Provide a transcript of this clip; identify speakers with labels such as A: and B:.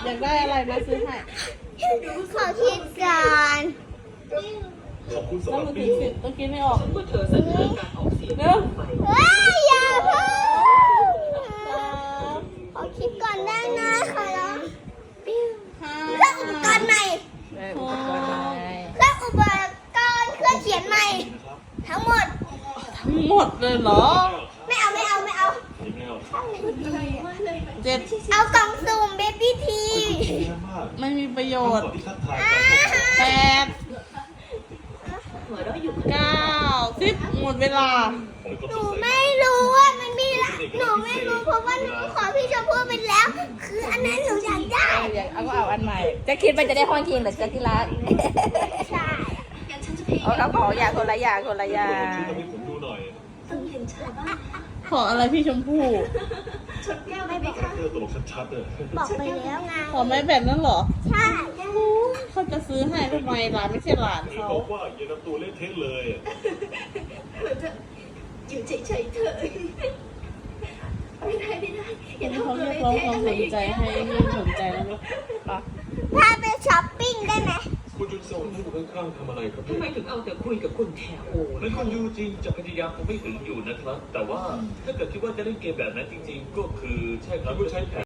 A: อยากได้อะไรมาซื้อให้
B: ขอคิดก่อน
C: ขอบคุณ
A: แล้
C: สำ
A: ว
C: หรับ
A: มือ
C: ปิ้
A: ถื
C: ง
A: อต้องกินไม่ออก
D: เมื่อเธอเสนอการออกเสียง
A: เนอะ
B: เฮ้ยอย่าเพิ่งขอคิดก่อนได้นะขอร้องเครื่องอุปกรณ์ใหม่เครื่องอุปกรณ์เครื่องเขียนใหม่ ทั้งหมด
A: ทั้งหมดเลยเหรอ
B: ไม่เอา
C: ยังไงอ่ะ
A: เจ็ด
B: เอากล่องสุ่มเบบี้ที
A: ไม่มีประโยชน์
C: ก่อนที่ทักทายกัน
A: แปด
D: หัวเราะอยู่
A: เก้าสิบหมดเวลา
B: หนูไม่รู้ว่ามันมีละหนูไม่รู้เพราะว่าหนูขอพี่ชมพู่ไปแล้ว คืออันนั้นหนูอยากได้
A: เอาก็เอาอันใหม่
E: จะคิดว่าจะได้ห้องคิงหรือจะที่รัก
B: ใช่
E: เอาของอย่างคนละอย่างคนละอย่าง
C: ช่วยทำให้ผมดูหน่อย
D: ต้องเห็นชายบ้าง
A: ขออะไรพี่ชมพู่
D: ชนแก้วได้ไหมคะ
C: เธอตลกชัดๆเลย
B: บอกไปแล้วไง
A: ขอไม้แบบนั้นเหรอ
B: ใช่
A: เขาจะซื้อให้ทำไมหลานไม่ใช่หลาน
C: หรือ
A: เขา
C: บอกว่าอย่านำตัวเล่นเทะเลยอ่ะ
D: อยู่เฉยๆเถอะไม่ได้อย่า
A: เขา
D: ทำตัว
A: เรีย
D: เล่
A: ก
D: น
A: ร้อง
D: เทะ
A: ความ
D: อะไร
A: สน
D: อย่าง
A: ใจ
D: เงี้ย
A: ให้ไม่สนใจแล้วนะปะ
B: พาไปช้อปปิ้งได้ไหม
C: คุณจุนโซนที่อยู่ข้างๆทำอะไรครับ
D: ทำไมถึงเอาแต่คุยกับคนแถวโอ้
C: นั่นคุณยูจริงจะพยายามคงไม่ถึงอยู่นะครับ แต่ว่าถ้าเกิดคิดว่าจะเล่นเกมแบบนั้นจริงๆ ก็คือใช่ครับก็ใช้แผน